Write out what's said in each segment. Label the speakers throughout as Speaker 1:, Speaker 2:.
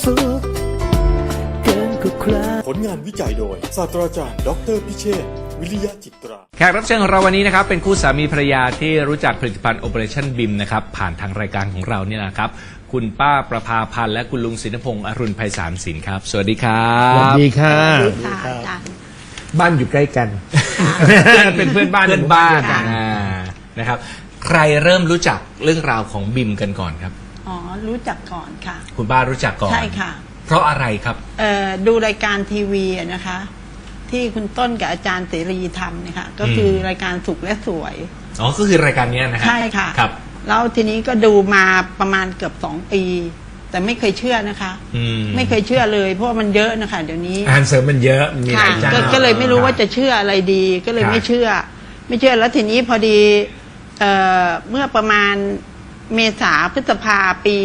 Speaker 1: สุขเกินกว่าใคร
Speaker 2: ผลงานวิจัยโดยศาสตราจารย์ดรพิเชษฐ์วิริยะจิตรา
Speaker 3: แขกรับเชิญของเราวันนี้นะครับเป็นคู่สามีภรรยาที่รู้จักผลิตภัณฑ์ Operation BIM นะครับผ่านทางรายการของเราเนี่ยนะครับคุณป้าประภาพันธ์และคุณลุงศินพงษ์อรุณไพศาลศิลป์ครับสวัสดีครับ
Speaker 4: สวัสดีค่ะ
Speaker 5: ค่ะอาจารย์
Speaker 4: บ้านอยู่ใกล้กัน เป็นเพื่อนบ้าน
Speaker 3: เพื่อนบ้าน
Speaker 5: ค่ะ
Speaker 3: นะครับใครเริ่มรู้จักเรื่องราวของบิมกันก่อนครับ
Speaker 5: อ๋อรู้จักก่อนค่ะ
Speaker 3: คุณป้ารู้จักก่อน
Speaker 5: ใช่ค่ะ
Speaker 3: เพราะอะไรครับ
Speaker 5: ดูรายการทีวีอะนะคะ ที่คุณต้นกับอาจารย์เสรีทำเนี่ยค่ะก็คือรายการสุขและสวย
Speaker 3: อ๋อก็คือรายการเนี้ยนะฮะ
Speaker 5: ใช่ค่ะ
Speaker 3: ครับ
Speaker 5: แล้วทีนี้ก็ดูมาประมาณเกือบ2 ปี แต่ไม่เคยเชื่อนะคะ ไม่เคยเชื่อเลยเพราะว่ามันเยอะนะคะเดี๋ยวนี้
Speaker 4: อาหารเสริมมันเยอะมีห
Speaker 5: ค่ะ
Speaker 4: ลายเจ้า
Speaker 5: ก็เลยไม่รู้ว่าจะเชื่ออะไรดี ก็เลย
Speaker 4: ครับ
Speaker 5: ไม่เชื่อแล้วทีนี้พอดีเมื่อประมาณเมษาพฤษภาปี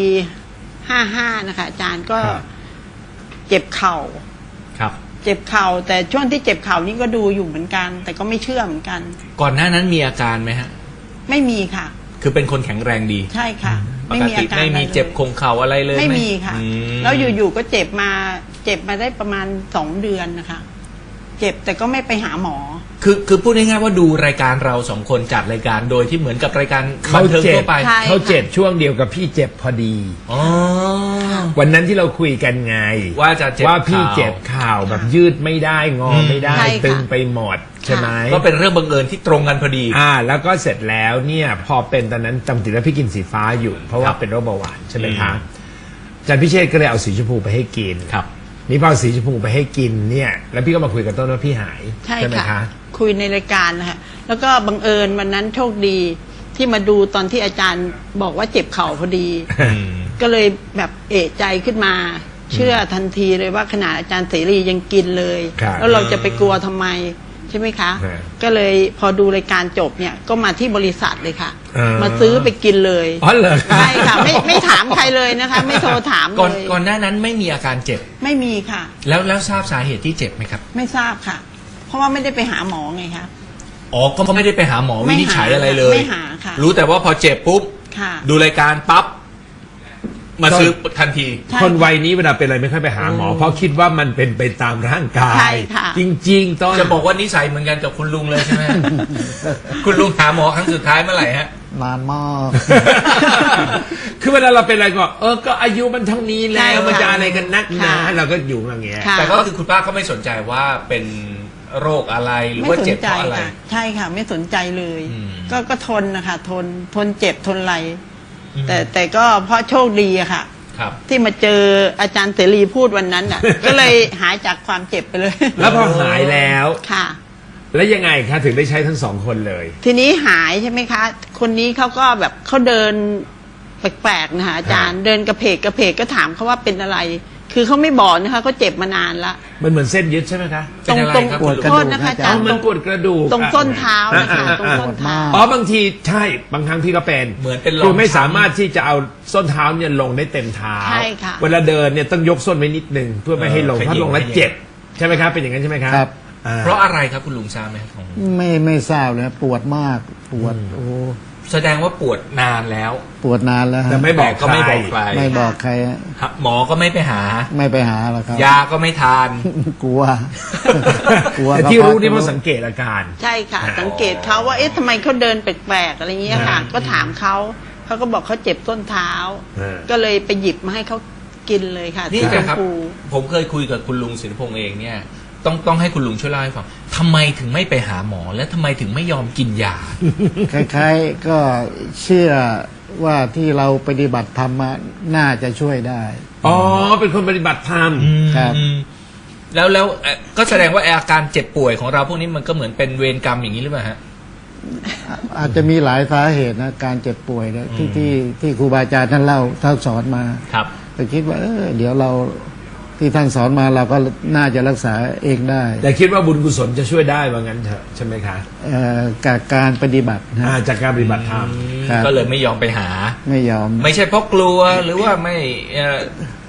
Speaker 5: 55นะคะอาจารย์ก็เจ็บเข่า
Speaker 3: ครับ
Speaker 5: เจ็บเข่าแต่ช่วงที่เจ็บเข่านี่ก็ดูอยู่เหมือนกัน แต่ก็ไม่เชื่อเหมือนกัน
Speaker 3: ก่อนหน้านั้นมีอาการไหมฮะ
Speaker 5: ไม่มีค่ะ
Speaker 3: คือเป็นคนแข็งแรงดี
Speaker 5: ใช่ค่ะ
Speaker 3: ปกติไม่มีเจ็บคงเข่าอะไรเลย
Speaker 5: ไม่มีค่ะ
Speaker 3: อืม
Speaker 5: แล้วอยู่ๆก็เจ็บมาได้ประมาณ2 เดือนนะคะ เจ็บแต่ก็ไม่ไปหาหมอ
Speaker 3: คือพูดง่ายๆว่าดูรายการเราสองคนจัดรายการโดยที่เหมือนกับรายการบั
Speaker 4: เขา
Speaker 3: นเทิง
Speaker 4: เจ็
Speaker 3: ทั่
Speaker 4: บ
Speaker 3: วไป
Speaker 5: ใช่
Speaker 4: เขาเจ็บช่วงเดียวกับพี่เจ็บพอดี
Speaker 3: อ๋อ
Speaker 4: วันนั้นที่เราคุยกันไง
Speaker 3: ว่าจะเจ็บ
Speaker 4: ว่าพี่
Speaker 3: ข่าว
Speaker 4: เจ็บข่าวแบบยืดไม่ได้งอไม่ได้
Speaker 5: ใช่ค่ะ
Speaker 4: ตึงไปหมดใช่ไหม
Speaker 3: ก็เป็นเรื่องบังเอิญที่ตรงกันพอดี
Speaker 4: แล้วก็เสร็จแล้วเนี่ยพอเป็นตอนนั้นจำติดแล้วพี่กินสีฟ้าอยู่ เพราะว่าเป็นโรคเบาหวานใช่ไหมคะอาจารย์พิเชษก็เลยเอาสีชมพูไปให้กิน
Speaker 3: ครับ
Speaker 4: นี่พอเอาสีชมพูไปให้กินเนี่ยแล้วพี่ก็มาคุยกับต้นว่าพี่หาย
Speaker 5: ใช่
Speaker 4: ไหม
Speaker 5: ค่ะ
Speaker 4: คะ
Speaker 5: คุยในรายการนะคะแล้วก็บังเอิญวันนั้นโชคดีที่มาดูตอนที่อาจารย์บอกว่าเจ็บเข่าพอดี ก็เลยแบบเอะใจขึ้นมา เชื่อทันทีเลยว่าขนาดอาจารย์เสรียังกินเลย
Speaker 4: ครับ
Speaker 5: แล้วเราจะไปกลัวทำไมใช่ไหมคะ
Speaker 4: ฮะ
Speaker 5: ก็เลยพอดูรายการจบเนี่ยก็มาที่บริษัทเลยค่ะ
Speaker 4: อ่าม
Speaker 5: มาซื้อไปกินเลย
Speaker 4: อ๋อเหรอคะ
Speaker 5: ใช่ค่ะไม่ถามใครเลยนะคะ ไม่โทรถาม
Speaker 3: ก่อน
Speaker 5: เลย
Speaker 3: ก่อนหน้านั้นไม่มีอาการเจ็บ
Speaker 5: ไม่มีค่ะ
Speaker 3: แล้วทราบสาเหตุที่เจ็บไหมครับ
Speaker 5: ไม่ทราบค่ะ เพราะว่าไม่ได้ไปหาหมอไงคะ
Speaker 3: อ๋อก็ไม่ได้ไปหาหมอ
Speaker 5: ไม่
Speaker 3: วิ
Speaker 5: หา
Speaker 3: นิจฉัยอะไรเลย
Speaker 5: ไม่หาค่ะ
Speaker 3: รู้แต่ว่าพอเจ็บปุ๊บ
Speaker 5: ค่ะ
Speaker 3: ดูรายการปั๊บมาซื้อทันที
Speaker 5: ใช่
Speaker 4: คนวัยนี้เวลาเป็นอะไรไม่ค่อยไปหาหมอ เพราะคิดว่ามันเป็นไปตามร่างกา
Speaker 5: ใช่
Speaker 4: ย
Speaker 5: ค่ะ
Speaker 4: จริงๆต้น
Speaker 3: จะบอกว่านิสัยเหมือนกันกับคุณลุงเลยใช่ไหม คุณลุงหาหมอครั้งสุดท้ายเมื่อไหร่ฮะ
Speaker 6: นานมาก
Speaker 4: คือเวลาเราเป็นอะไรก็ก็อายุมันเท่านี้
Speaker 5: ใช่
Speaker 4: แล้ว
Speaker 5: ค่ะ
Speaker 4: มันจะอะไรกันนักหนา
Speaker 5: ค่ะ
Speaker 4: เราก็อยู่อย่างเงี้ย
Speaker 5: ค่ะ
Speaker 3: แต่ก็คือคุณป้าก็ไม่สนใจว่าเป็นโรคอะไรหรือ
Speaker 5: ไม่
Speaker 3: ว่า
Speaker 5: สน
Speaker 3: เจ็บ
Speaker 5: ใจ
Speaker 3: เพราะอะไร
Speaker 5: ค่ะ ใช่ค่ะ ไม่สนใจเลย
Speaker 3: อืม
Speaker 5: ก็ทนนะคะทนเจ็บทนอะไรแต่ก็เพราะโชคดีอะค่ะ
Speaker 3: ครับ
Speaker 5: ที่มาเจออาจารย์เสรีพูดวันนั้นน่ะ ก็เลยหายจากความเจ็บไปเลย
Speaker 4: แล้วพอหายแล้ว
Speaker 5: ค่ะ
Speaker 4: แล้วยังไงคะถึงได้ใช้ทั้งสองคนเลย
Speaker 5: ทีนี้หายใช่ไหมคะ คนนี้เขาก็แบบเขาเดินแปลกๆนะคะอาจารย์เดินกระเพกก็ถามเขาว่าเป็นอะไร คือเขาไม่บอกนะคะเขาเจ็บมานานละ
Speaker 4: มันเหมือนเส้นยึดใช่ไหมคะ
Speaker 3: เป็นอะไรครับ
Speaker 5: ตรง
Speaker 6: ปวดกระดูก
Speaker 5: โทษนะคะอาจารย์
Speaker 4: มันปวดกระดูก
Speaker 5: ตรงส้นเท้านะคะตรงส้นเท้า
Speaker 4: บางทีใช่บางครั้งพี่ก็เป็น
Speaker 3: เหมือนเป็นรอย
Speaker 4: คือไม่สามารถที่จะเอาส้นเท้าเนี่ยลงได้เต็มเท้า
Speaker 5: ใช่ค่ะ
Speaker 4: เวลาเดินเนี่ยต้องยกส้นไว้นิดนึงเพื่อไม่ให้ลงถ้าลงแล้วเจ็บใช่ไหมครับเป็นอย่างนั้นใช่ไหมครับ
Speaker 6: ครับ
Speaker 3: เพราะอะไรครับคุณลุงทราบไหมของ
Speaker 6: ไม่ทราบเลยปวดมากปวดโอ้
Speaker 3: แสดงว่าปวดนานแล้ว
Speaker 6: ปวดนานแล้วฮะ
Speaker 4: แต่ไม่บอก
Speaker 3: ก็ไม่บอกใคร
Speaker 6: ไม่บอกใครฮะ
Speaker 3: หมอก็ไม่ไปหา
Speaker 6: ไม่ไปหาหรอกครับ
Speaker 3: ยาก็ไม่ทาน
Speaker 6: กลัว กลัว
Speaker 4: แต่ที่รู้นี่เพราะสังเกตอาการ
Speaker 5: ใช่ค่ะ สังเกตเขาว่าเอ๊ะทำไมเขาเดินแปลกๆอะไรเงี้ยค่ะ ก็ถามเขาก็บอกเขาเจ็บส้นเท้า ก็เลยไปหยิบมาให้เขากินเลยค่ะ
Speaker 3: นี่
Speaker 5: สีชม
Speaker 3: นะครับ
Speaker 5: พู
Speaker 3: ผมเคยคุยกับคุณลุงศิลปงษ์เองเนี่ยต้องให้คุณลุงช่วยเล่าให้ฟังทำไมถึงไม่ไปหาหมอ และทำไมถึงไม่ยอมกินยา
Speaker 6: คล้ายๆก็เชื่อว่าที่เราปฏิบัติธรรมมาน่าจะช่วยได้
Speaker 4: อ๋อเป็นคนปฏิบัติธรรม
Speaker 6: ครับ
Speaker 3: แล้วก็แสดงว่าอาการเจ็บป่วยของเราพวกนี้มันก็เหมือนเป็นเวรกรรมอย่างนี้หรือเปล่าฮะ
Speaker 6: อาจจะมีหลายสาเหตุนะการเจ็บป่วยเนี่ยที่ครูบาอาจารย์ท่านเล่าท่านสอนมา
Speaker 3: ครับ
Speaker 6: แต่คิดว่าเดี๋ยวเราที่ท่านสอนมาเราก็น่าจะรักษาเองได้
Speaker 4: แต่คิดว่าบุญกุศลจะช่วยได้ว่างั้นเถอะใช่ไหมคะ
Speaker 6: กับการปฏิบัตินะ
Speaker 4: จากการปฏิบัติธรรม
Speaker 6: ครับ
Speaker 3: ก็เลยไม่ยอมไปหา
Speaker 6: ไม่ยอม
Speaker 3: ไม่ใช่เพราะกลัวหรือว่าไม่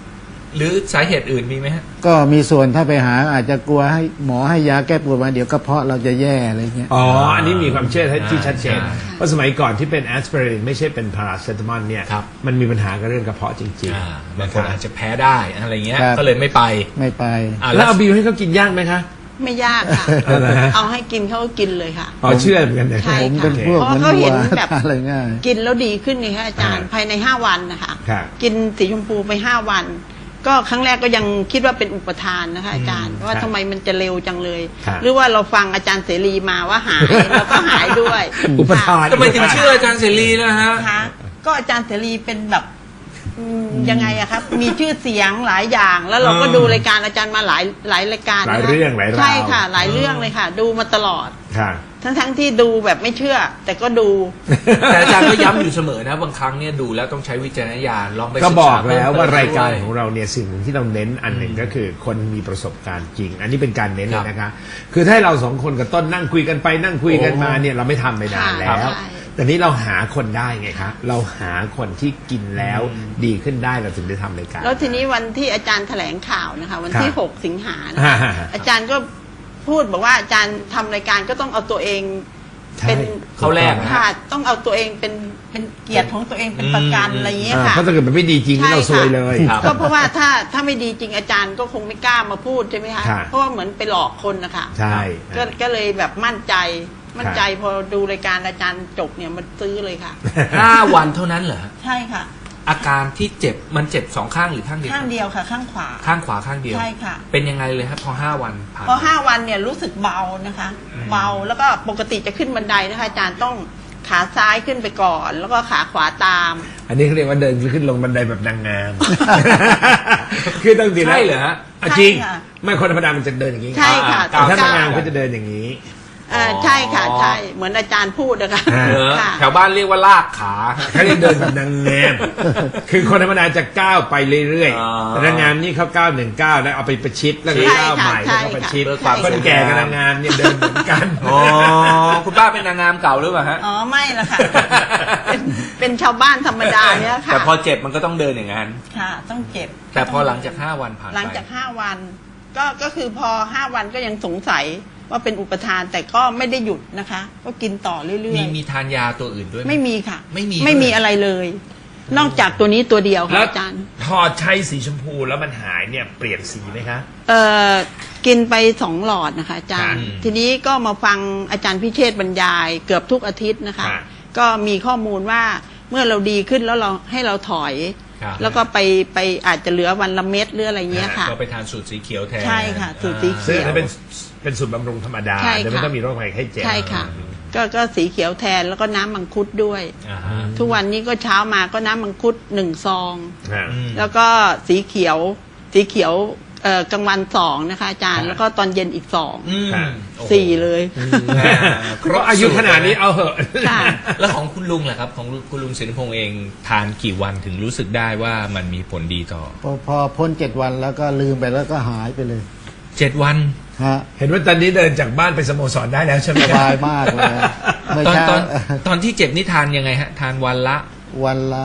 Speaker 3: หรือสาเหตุอื่นมีไหมฮะ
Speaker 6: ก็มีส่วนถ้าไปหาอาจจะกลัวให้หมอให้ยาแก้ปวดมาเดี๋ยวกระเพาะเราจะแย่อะไรเงี้ย
Speaker 4: อ๋อ อันนี้มีความเชื่อที่ชัดเจน
Speaker 3: ใช่
Speaker 4: เพราะสมัยก่อนที่เป็นแอสไพรินไม่ใช่เป็นพาราเซตามอลเนี่ย
Speaker 3: ครับ
Speaker 4: มันมีปัญหากับเรื่องกระเพาะจริง
Speaker 3: บางคนอาจจะแพ้ได้อะไรเงี้ย
Speaker 6: ครับ
Speaker 3: ก็เลยไม่ไป
Speaker 6: ไม่ไป
Speaker 4: แล้วเอาบิวให้เขากินยากไหมคะ
Speaker 5: ไม่ยากค่ะ
Speaker 4: เหรอฮะ
Speaker 5: เอาให้กินเขาก็กินเลยค่ะ
Speaker 4: อ๋อเชื่อเหมือนกันนะ
Speaker 5: ใช่
Speaker 6: ผมเป็นพวก
Speaker 5: เพ
Speaker 6: เหมือน
Speaker 5: ราะเขา
Speaker 6: วั
Speaker 5: เห็
Speaker 6: วน
Speaker 5: แบบ
Speaker 6: อะไรง่าย
Speaker 5: กินแล้วดีขึ้นนี่ค่ะอาจารย์ภายใน5 วันนะคะ
Speaker 4: ครับ
Speaker 5: กินสีชมพูไป5 วัน ก็ครั้งแรกก็ยังคิดว่าเป็นอุปทานนะคะอาจารย์ว่าทำไมมันจะเร็วจังเลย
Speaker 4: ครับ
Speaker 5: หรือว่าเราฟังอาจารย์เสรีมาว่าหายแล้วก็หายด้วย
Speaker 4: อุปทาน
Speaker 3: ทำไมถึงเชื่ออาจารย์เสรีนะฮะ
Speaker 5: นะคะก็อาจารย์เสรีเป็นแบบยังไงอะครับมีชื่อเสียงหลายอย่าง แล้วเราก็ดูรายการอาจารย์มาหลายรายการ
Speaker 4: หลาย
Speaker 5: นะคะ
Speaker 4: เรื่องหลายราว
Speaker 5: ใช่ค่ะ หลายเรื่องเลยค่ะ ดูมาตลอด
Speaker 4: ค่ะ
Speaker 5: ทั้งที่ดูแบบไม่เชื่อ แต่ก็ดู
Speaker 3: แต่อาจารย์ก็ย้ำอยู่เสมอนะบางครั้งเนี่ยดูแล้วต้องใช้วิจารณญาณลองไป
Speaker 4: ก็
Speaker 3: ศึษา
Speaker 4: บอกแล้ว
Speaker 3: เพิ่ม
Speaker 4: ว่ารายการ
Speaker 3: ด้วย
Speaker 4: ของเราเนี่ยสิ่งหนึ่งที่เราเน้นอันหนึ่งก็คือคนมีประสบการณ์จริง อันนี้เป็นการเน้นเลยนะคะ คือถ้าให้เราสองคนกับต้นนั่งคุยกันไปนั่งคุยกันมาเนี่ยเราไม่ทำไปนานแล้ว
Speaker 5: ใช่
Speaker 4: แต่นี้เราหาคนได้ไงคะเราหาคนที่กินแล้วดีขึ้นได้เราถึงได้ทำรายการ
Speaker 5: แล้วทีนี้วันที่อาจารย์แถลงข่าวนะคะ วันที่
Speaker 4: ครับ
Speaker 5: 6 สิงหานะคะ
Speaker 4: อ่า
Speaker 5: อาจารย์ก็พูดบอกว่าอาจารย์ทำรายการก็ต้องเอาตัวเอง
Speaker 4: ใช่
Speaker 5: เป็น
Speaker 3: เขาแรกนะ
Speaker 5: ค่ะต้องเอาตัวเองเป็นเกียรติของตัวเองเป็นประกันอะไรอย่างเงี้ยค่ะ
Speaker 4: เพราะถ้าเกิดมันไม่ดีจริงนี่เราซวยเลย
Speaker 3: ครับ
Speaker 5: ก็เพราะว่าถ้าไม่ดีจริงอาจารย์ก็คงไม่กล้ามาพูดใช่ไหมคะ
Speaker 4: ครับ
Speaker 5: เพราะว่าเหมือนไปหลอกคนนะคะ
Speaker 4: ใช่
Speaker 5: ก็เลยแบบมั่นใจพอดูรายการอาจารย์จบเนี่ยมันซื้อเลยค่ะ
Speaker 3: 5 วันเท่านั้นเหรอฮะ
Speaker 5: ใช่ค่ะ
Speaker 3: อาการที่เจ็บมันเจ็บ2 ข้างหรือข้างเดียว
Speaker 5: ข้างเดียวค่ะข้างขวา
Speaker 3: ข้างขวาข้างเดียว
Speaker 5: ใช่ค่ะ
Speaker 3: เป็นยังไงเลยครับพอ5 วันผ่าน
Speaker 5: พอ5 วันเนี่ยรู้สึกเบานะคะ เบาแล้วก็ปกติจะขึ้นบันไดนะคะอาจารย์ต้องขาซ้ายขึ้นไปก่อน แล้วก็ขาขวาตาม
Speaker 4: อันนี้เขาเรียกว่าเดินขึ้นลงบันไดแบบนางงาม คือต้องดีนะ
Speaker 3: ใช่เหรอฮะ
Speaker 4: อ่ะจริง
Speaker 5: ใช่ค่ะ
Speaker 4: ไม่คนธรรมดามันจะเดินอย่างนี้
Speaker 5: ใช่ค่ะ
Speaker 4: แต่ถ้านางงาม
Speaker 5: ก้ว
Speaker 4: เขาจะเดินอย่างนี้
Speaker 5: ใช่ค่ะใช่เหมือนอาจารย์พูดนะคะ
Speaker 3: เหรอ
Speaker 5: ค่ะ
Speaker 3: แถวบ้านเรียกว่าลากขา
Speaker 4: เขาเรียกเดินแบบนางงาม คือคนธรรมดาจะก้าวไปเรื่อย
Speaker 3: อ๋อ
Speaker 4: ๆแต่นางงามนี่เขาก้าว1 ก้าวแล้วเอาไปประชิดแล้วก็
Speaker 5: ใช่
Speaker 4: ก้าว
Speaker 5: ค่ะ
Speaker 4: ใหม่
Speaker 5: ใช่
Speaker 4: แล้วก็
Speaker 5: ค่ะ
Speaker 4: ประชิด
Speaker 3: เพื่อความ
Speaker 4: คนแก่กับนางงามเนี่ยเดินเหมือนกัน
Speaker 3: อ๋อคุณป้าเป็นนางงามเก่าหรือเปล่าฮะ
Speaker 5: อ๋อไม่ละค่ะเป็นชาวบ้านธรรมดาเนี่ยค่ะ
Speaker 3: แต่พอเจ็บมันก็ต้องเดินอย่างนั้น
Speaker 5: ค่ะ ต้องเจ็บ
Speaker 3: แต่พอหลังจาก5 วันผ่านไป
Speaker 5: หลังจาก5 วันก็คือพอ5 วันก็ยังสงสัยว่าเป็นอุปทานแต่ก็ไม่ได้หยุดนะคะ ก็กินต่อเรื่อย
Speaker 3: มีทานยาตัวอื่นด้วยห
Speaker 5: ๆไม่มีค่ะ
Speaker 3: ไม่มี
Speaker 5: ไม่มี
Speaker 3: ด้วย
Speaker 5: อะไรเลย นอกจากตัวนี้ตัวเดียวค่ะ
Speaker 4: แล้ว
Speaker 5: อาจารย์
Speaker 4: พอใช้สีชมพูแล้วมันหายเนี่ยเปลี่ยนสีไหมคะ
Speaker 5: กินไป2 หลอดนะคะอาจารย์
Speaker 3: ครับ
Speaker 5: ทีนี้ก็มาฟังอาจารย์พิเชษฐ์บรรยายเกือบทุกอาทิตย์นะคะ
Speaker 4: ครับ
Speaker 5: ก็มีข้อมูลว่าเมื่อเราดีขึ้นแล้วเราให้เราถอย
Speaker 3: ครับ
Speaker 5: แล้วก็ไปอาจจะเหลือวันละเม็ดหรืออะไรเงี้ยค่ะ
Speaker 3: ก็ไปทานสูตรสีเขียวแทน
Speaker 5: ใช่ค่ะสูตรสีเขียว
Speaker 4: ซึ่งอันนั้นเป็นสูตรบำรุงธรรมดา
Speaker 5: ใช่ค่ะ
Speaker 4: แต่ไม่ต้องมีโรคภัยไข้เจ็บ
Speaker 5: ใช่ค่ะ ก็สีเขียวแทนแล้วก็น้ำมังคุดด้วย
Speaker 3: อ่าฮะ
Speaker 5: ทุกวันนี้ก็เช้ามาก็น้ำมังคุด1 ซอง
Speaker 4: อ่า
Speaker 3: อืม
Speaker 5: แล้วก็สีเขียวกลางวัน2นะคะอาจารย์ แล้วก็ตอนเย็นอีก
Speaker 3: อืม
Speaker 4: ครับ
Speaker 3: โอ้โห
Speaker 5: 4 เลย
Speaker 3: ครบ
Speaker 4: อายุขนาดนี้เอาเหอะ
Speaker 5: ค่ะ
Speaker 3: แล้วของคุณลุงล่ะครับ ของคุณลุงศิลปพงษ์เองทานกี่วันถึงรู้สึกได้ว่ามันมีผลดีต่อ
Speaker 6: พอพ้น7 วันแล้วก็ลืมไปแล้วก็หายไปเลย
Speaker 3: 7 วัน
Speaker 6: ฮะ
Speaker 4: เห็นว่าตอนนี้เดินจากบ้านไปสโมสรได้แล้วใช่ไหม
Speaker 6: ส
Speaker 4: ครับ
Speaker 6: บายมากเลยเมื่อ
Speaker 3: ตอน
Speaker 6: เช้า
Speaker 3: ตอนที่เจ็บนี่ทานยังไงฮะ ทานวันละ
Speaker 6: วันละ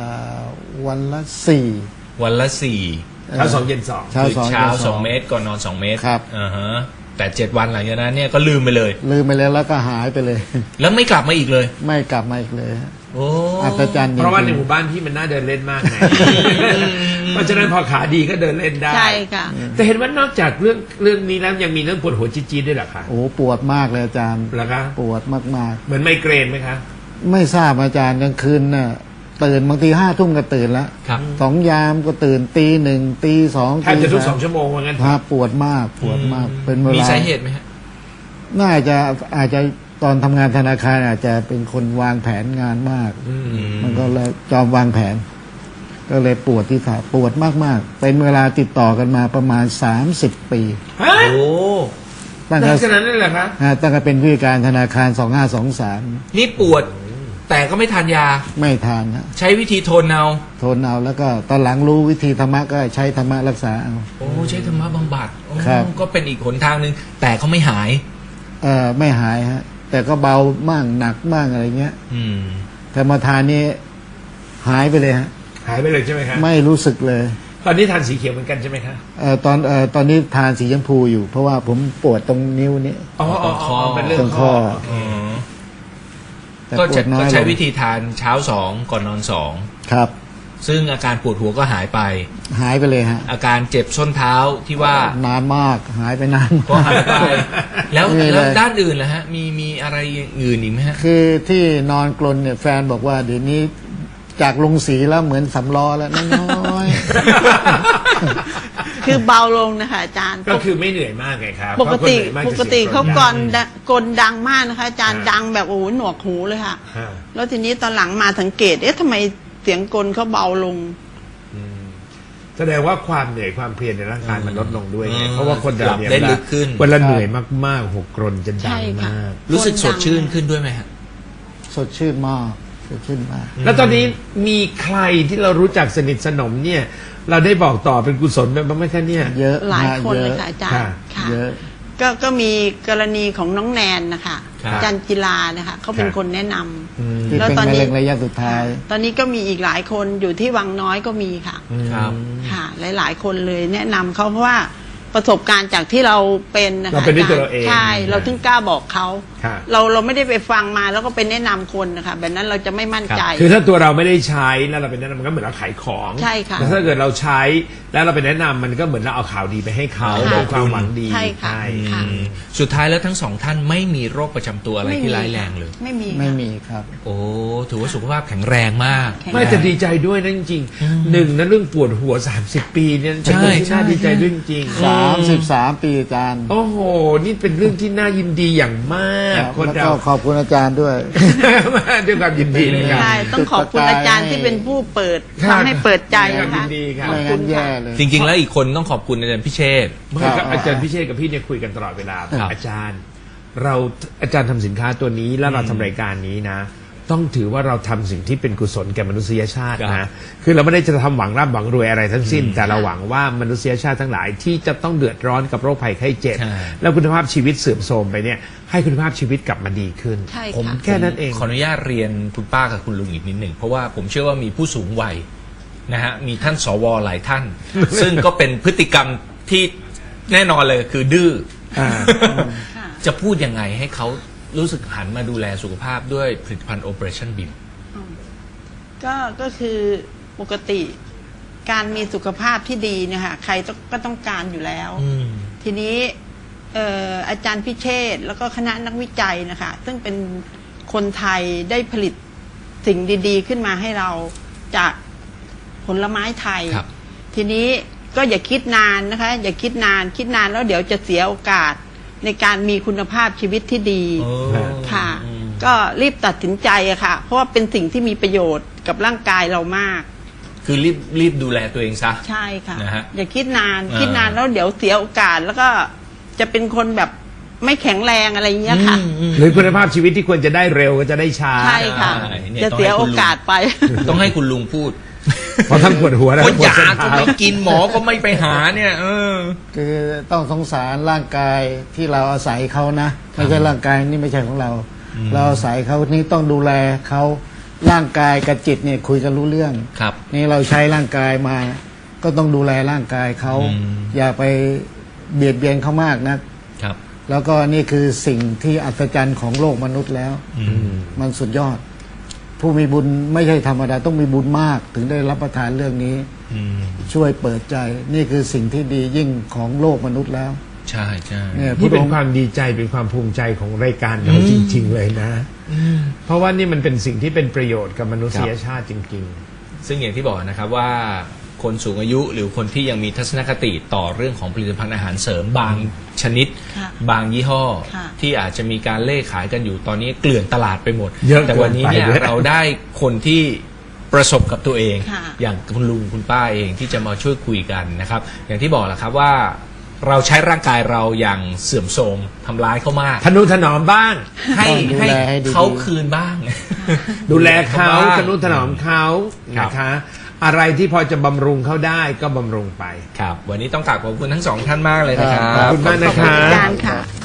Speaker 6: 4
Speaker 3: วันละ
Speaker 4: เช้าสองเย็นสอง
Speaker 6: เช้า
Speaker 3: คือ
Speaker 6: 2
Speaker 3: เช้า
Speaker 6: ย็น
Speaker 3: 2 เม็ดก่อนนอน 2 เม็ด
Speaker 6: ครับ
Speaker 3: อ่าฮะแต่ 7 วันหลังจากนั้นเนี่ยก็ลืมไปเลย
Speaker 6: ลืมไปแล้วก็หายไปเลย
Speaker 3: แล้วไม่กลับมาอีกเลย
Speaker 6: ไม่กลับมาอีกเลยฮะ
Speaker 3: โอ้
Speaker 6: อัศจรรย์จริงๆ
Speaker 4: เพราะว่าในหมู่บ้านพี่มันน่าเดินเล่นมากไงเพราะฉะนั้นพอขาดีก็เดินเล่นได้
Speaker 5: ใช่ค่ะ
Speaker 4: แต่เห็นว่านอกจากเรื่องนี้แล้วยังมีเรื่องปวดหัวจี๊ดๆด้วยเหรอคะ
Speaker 6: โอ้ปวดมากเลยอาจารย์
Speaker 4: เหรอคะ
Speaker 6: ปวดมาก
Speaker 4: เหมือนไมเกรนไหมคะ
Speaker 6: ๆ ไม่ทราบอาจารย์กลางคืนน่ะตื่นบางที5 ทุ่มก็ตื่นแล้ว
Speaker 3: ครับ
Speaker 6: 2 ยามก็ตื่นตี 1ตี 2
Speaker 4: แทบจะทุก2 ชั่วโมงว่างั้น
Speaker 6: ครับปวดมากเป็นเวลา
Speaker 3: มีสาเหตุไหมฮะ
Speaker 6: น่าจะอาจจะตอนทำงานธนาคารอาจจะเป็นคนวางแผนงานมาก มันก็เลยจอมวางแผน ก็เลยปวดที่ขาปวดมากๆ เป็นเวลาติดต่อกันมาประมาณ30 ปี
Speaker 4: ฮะ
Speaker 3: โอ้
Speaker 6: ตั้ง
Speaker 4: ห
Speaker 6: แต่
Speaker 4: ลังจากนั้นเลยเหรอคะ
Speaker 6: ตั้งแต่เป็นผู้จัดการธนาคาร2523
Speaker 3: นี่ปวด แต่ก็ไม่ทานยา
Speaker 6: ไม่ทานนะ
Speaker 3: ใช้วิธีทนเอา
Speaker 6: ทนเอาแล้วก็ตอนหลังรู้วิธีธรรมะก็ใช้ธรรมะรักษาเอา
Speaker 3: โอ้ใช้ธรรมะบำบัดโอ้
Speaker 6: ครับ
Speaker 3: ก็เป็นอีกหนทางหนึ่งแต่เขาไม่หาย
Speaker 6: ไม่หายฮะ แต่ก็เบาบ้างหนักบ้างอะไรเงี้ย
Speaker 3: อืม
Speaker 6: แต่มาทานนี้หายไปเลยฮะ
Speaker 4: หายไปเลยใช่ไหมคะ
Speaker 6: ไม่รู้สึกเลย
Speaker 4: ตอนนี้ทานสีเขียวเหมือนกันใช่ไหมคะ
Speaker 6: ตอนนี้ทานสีชมพูอยู่ เพราะว่าผมปวดตรงนิ้วนี้
Speaker 4: อ๋อ เป็นเรื่อ
Speaker 6: ตรง ง
Speaker 4: ข้
Speaker 6: ข้
Speaker 4: อ
Speaker 6: อ แต่
Speaker 3: ก็
Speaker 6: ปวดน้อย
Speaker 3: ใช้
Speaker 6: ลง
Speaker 3: วิธีทานเช้า2ก่อนนอน2
Speaker 6: ครับ
Speaker 3: ซึ่งอาการปวดหัวก็หายไป
Speaker 6: หายไปเลยฮะ
Speaker 3: อาการเจ็บส้นเท้าที่ว่าน
Speaker 6: านมากหายไปนาน
Speaker 3: ก็
Speaker 6: มาก
Speaker 3: หายไป แล้ว
Speaker 6: ไม่มีเลย
Speaker 3: แล้วด้านอื่นล่ะฮะมีอะไรอย่างอื่นอีกไหมฮะ
Speaker 6: คือที่นอนกลนเนี่ยแฟนบอกว่าเดี๋ยวนี้จากลงสีแล้วเหมือนสำล้อแล้วน้อย
Speaker 5: คือเบาลงนะคะอาจารย์
Speaker 4: ก็คือไม่เหนื่อยมากไงครับ
Speaker 5: ปกติ
Speaker 4: เพราะคนเหนื่อยมาก
Speaker 5: ป
Speaker 4: จะ
Speaker 5: กติ
Speaker 4: สียง
Speaker 5: เขา
Speaker 4: ดัง
Speaker 5: กลดังมากนะคะอาจารย์ดังแบบโอ้โหหนวกหูเลยค่ะ
Speaker 4: ฮะ
Speaker 5: แล้วทีนี้ตอนหลังมาสังเกตทำไมเสียงกลเขาเบาลง
Speaker 4: แสดงว่าความเหนื่อยความเพลียในร่างกายมันลดลงด้วยไง
Speaker 3: อืม
Speaker 4: เพราะว่าคนเราเนี่ย
Speaker 3: ได้ลึกขึ้น
Speaker 4: เวลาเหนื่อยมากๆหกกรนจะดั
Speaker 5: ใช่
Speaker 4: ง
Speaker 5: ค่ะ
Speaker 4: มาก
Speaker 3: รู้สึกสดชื่นขึ้นด้วยไหมฮะ
Speaker 6: ๆ สดชื่นมากสดชื่นมาก
Speaker 4: แล้วตอนนี้มีใครที่เรารู้จักสนิทสนมเนี่ย เราได้บอกต่อเป็นกุศลไปบ้างไหมคะเนี่ย
Speaker 6: เยอะ
Speaker 5: หลาย
Speaker 6: มก
Speaker 5: คนเลย
Speaker 6: อะ
Speaker 5: ค่ะอาจารย์ค่ะ
Speaker 6: เยอะ
Speaker 5: ก็มีกรณีของน้องแนนนะคะ
Speaker 3: ครับ
Speaker 5: อาจารย์กีฬานะคะเขาเป็นคนแนะนำ
Speaker 6: ที่
Speaker 5: แล้ว
Speaker 6: เป็น
Speaker 5: ตอน
Speaker 6: มะ
Speaker 5: นี้
Speaker 6: เร็งระยะสุดท้าย
Speaker 5: ตอนนี้ก็มีอีกหลายคนอยู่ที่วังน้อยก็มีค่ะ
Speaker 3: ครับ
Speaker 5: ค่ะ หลายๆ คนเลยแนะนำเขาเพราะว่าประสบการณ์จากที่เราเป็นนะคะ
Speaker 4: เราเป็นด้วยตัวเราเอง
Speaker 5: ใช่เราถึงกล้าบอกเขา
Speaker 4: ครับ
Speaker 5: เราไม่ได้ไปฟังมาแล้วก็ไปแนะนำคนนะคะแบบนั้นเราจะไม่มั่นใจ
Speaker 4: คือถ้าตัวเราไม่ได้ใช้แล้วเราเป็นแนะนำมันก็เหมือนเราขายของ
Speaker 5: ใช่ค่ะ
Speaker 4: แต่ถ้าเกิดเราใช้แล้วเราเป็นแนะนำมันก็เหมือนเราเอาข่าวดีไปให้เขา
Speaker 5: ค่ะ
Speaker 4: ด้วยความหวังดี
Speaker 5: ใช่ค่ะ ค่ะ
Speaker 3: สุดท้ายแล้วทั้งสองท่านไม่มีโรคประจำตัวอะไรที่ร้ายแรงเลย
Speaker 5: ไม่มี
Speaker 6: ไม่
Speaker 5: ค่ะ
Speaker 6: มีครับ
Speaker 3: โอ้ถือว่าสุขภาพแข็งแรงมาก
Speaker 5: แข็ง
Speaker 4: ไม่แต่ดีใจด้วยนะจริงๆหนึ่งนะเรื่องปวดหัว30 ปีเนี่ยเป็นเรื่องที่
Speaker 3: ใช่
Speaker 4: น่าดีใจด้วยจริงๆ
Speaker 6: 33 ปีอาจารย์
Speaker 4: โอ้โห นี่เป็นเรื่องที่น่ายินดีอย่างมาก คน
Speaker 6: แล้ว
Speaker 4: เรา
Speaker 6: ก็ขอบคุณอาจารย์ด้วย
Speaker 4: ด้วยความยินดีนะครับ
Speaker 5: ใช่ต้องขอบคุณอาจารย์ที่เป็นผู้เปิด
Speaker 4: ครับ
Speaker 5: ทำให้เปิดใจ
Speaker 4: ด้วยความ
Speaker 5: นะ
Speaker 4: ยิ
Speaker 5: คะ
Speaker 4: นดีครับ
Speaker 6: ไม่งั้นแย่เลย
Speaker 3: จริง ๆ แล้วอีกคนต้องขอบคุณอาจารย์พิเชษฐ์
Speaker 4: ไม่ครับอาจารย์พิเชษกับพี่เนี่ยคุยกันตลอดเวลา
Speaker 3: ครับ
Speaker 4: อาจารย์ อาจารย์ทำสินค้าตัวนี้แล้วเราทำรายการนี้นะ ต้องถือว่าเราทำสิ่งที่เป็นกุศลแก่มนุษยชาติ
Speaker 3: ครั
Speaker 4: นะ
Speaker 3: บ
Speaker 4: คือเราไม่ได้จะทำหวังร่ำหวังรวยอะไรทั้งสิ้น แต่เราหวังว่ามนุษยชาติทั้งหลายที่จะต้องเดือดร้อนกับโรคภัยไข้เจ็บ
Speaker 3: ใช่
Speaker 4: แล้วคุณภาพชีวิตเสื่อมโทรมไปเนี่ยให้คุณภาพชีวิตกลับมาดีขึ้น
Speaker 5: ใช่ค่ะ
Speaker 4: ผมแค่นั้นเอง
Speaker 3: ขออนุญาตเรียนคุณป้ากับคุณลุงอีกนิดหนึ่งเพราะว่าผมเชื่อว่ามีผู้สูงวัยนะฮะมีท่านสวหลายท่าน ซึ่งก็เป็นพฤติกรรมที่แน่นอนเลยคือดื้ออา
Speaker 5: ค่ะ
Speaker 3: จะพูดยังไงให้เขารู้สึกหันมาดูแลสุขภาพด้วยผลิตภัณฑ์ Operation BIM
Speaker 5: ก็คือปกติการมีสุขภาพที่ดีเนี่ยค่ะใครก็ต้องการอยู่แล้ว ทีนี้อาจารย์พิเชษฐ์แล้วก็คณะนักวิจัยนะคะซึ่งเป็นคนไทยได้ผลิตสิ่งดีๆ ขึ้นมาให้เราจากผลไม้ไทย
Speaker 3: ครับ
Speaker 5: ทีนี้ก็อย่าคิดนานนะคะ อย่าคิดนานแล้วเดี๋ยวจะเสียโอกาสในการมีคุณภาพชีวิตที่ดี ค่ะ ก็รีบตัดสินใจอะค่ะ เพราะว่าเป็นสิ่งที่มีประโยชน์กับร่างกายเรามาก
Speaker 3: คือรีบดูแลตัวเองซะ
Speaker 5: ใช่ค่ะ
Speaker 3: นะฮะ
Speaker 5: อย่าคิดนาน
Speaker 3: อ่า
Speaker 5: คิดนานแล้วเดี๋ยวเสียโอกาสแล้วก็จะเป็นคนแบบไม่แข็งแรงอะไรอย่างเงี้ยค่ะ
Speaker 4: หรือคุณภาพชีวิตที่ควรจะได้เร็วก็จะได้ช้า
Speaker 5: ใช่ค่ะ
Speaker 3: ใช่เนี่ย
Speaker 5: จะเสียโอกาสไป
Speaker 3: ต้องให้คุณลุงพูด
Speaker 4: เพราะทั้งปวดหัวและ
Speaker 3: เพราะ
Speaker 4: ปวด
Speaker 3: ยา
Speaker 4: เส้น
Speaker 3: ก็
Speaker 4: เท้า
Speaker 3: ไม่กินหมอก็ไม่ไปหาเนี่ย
Speaker 6: คือต้องสงสารร่างกายที่เราอาศัยเขานะ ไม่ใช่ร่างกายนี่ไม่ใช่ของเรา เราอาศัยเขานี่ต้องดูแลเขาร่างกายกับจิตเนี่ยคุยกันรู้เรื่อง
Speaker 3: ครับ
Speaker 6: นี่เราใช้ร่างกายมา ก็ต้องดูแลร่างกายเขา
Speaker 3: อืม
Speaker 6: อย่าไปเบียดเบียนเขามากนะ
Speaker 3: ครับ
Speaker 6: แล้วก็นี่คือสิ่งที่อัศจรรย์ของโลกมนุษย์แล้ว มันสุดยอด ผู้มีบุญไม่ใช่ธรรมดาต้องมีบุญมาก ถึงได้รับประทานเรื่องนี้ ช่วยเปิดใจ นี่คือสิ่งที่ดียิ่งของโลกมนุษย์แล้ว
Speaker 3: ใช่ใช่
Speaker 6: เนี่ย
Speaker 4: นี่เป็น
Speaker 6: องค์
Speaker 4: ความดีใจเป็นความภูมิใจของรายการเราจริง ๆ เลยนะ เพราะว่านี่มันเป็นสิ่งที่เป็นประโยชน์กับมนุษยชาติจริง
Speaker 3: ซึ่งอย่างที่บอกนะครับว่าคนสูงอายุหรือคนที่ยังมีทัศนคติต่อเรื่องของผลิตภัณฑ์อาหารเสริมบางชนิด
Speaker 5: ค่ะ
Speaker 3: บางยี่ห้อ
Speaker 5: ค่ะ
Speaker 3: ที่อาจจะมีการเล่ขายกันอยู่ตอนนี้เกลื่อนตลาดไปหมด
Speaker 4: เยอะ
Speaker 3: แต่วันนี้เนี่ย
Speaker 4: เกินไปด้วย
Speaker 3: เราได้คนที่ประสบกับตัวเอง
Speaker 5: ค่ะ
Speaker 3: อย่างคุณลุงคุณป้าเองที่จะมาช่วยคุยกันนะครับ อย่างที่บอกแหละครับว่าเราใช้ร่างกายเราอย่างเสื่อมโทรมทำร้ายเขามาก
Speaker 4: ๆ ทนุถนอมบ้าง
Speaker 3: ให้
Speaker 6: ต้องดูแลให้ดีๆ
Speaker 3: เขาคืนบ้าง
Speaker 4: ดูแลเขา
Speaker 3: บ้ง
Speaker 4: ทนุถนอมเขา
Speaker 3: ครับ
Speaker 4: นะคะ อะไรที่พอจะบำรุงเขาได้ก็บำรุงไป
Speaker 3: ครับ วันนี้ต้องกราบขอบคุณทั้งสองท่านมากเลยนะครับ
Speaker 4: ขอบคุณมากนะ
Speaker 5: ขอบ
Speaker 4: คะ
Speaker 5: คุณอาจารย์ค่ะ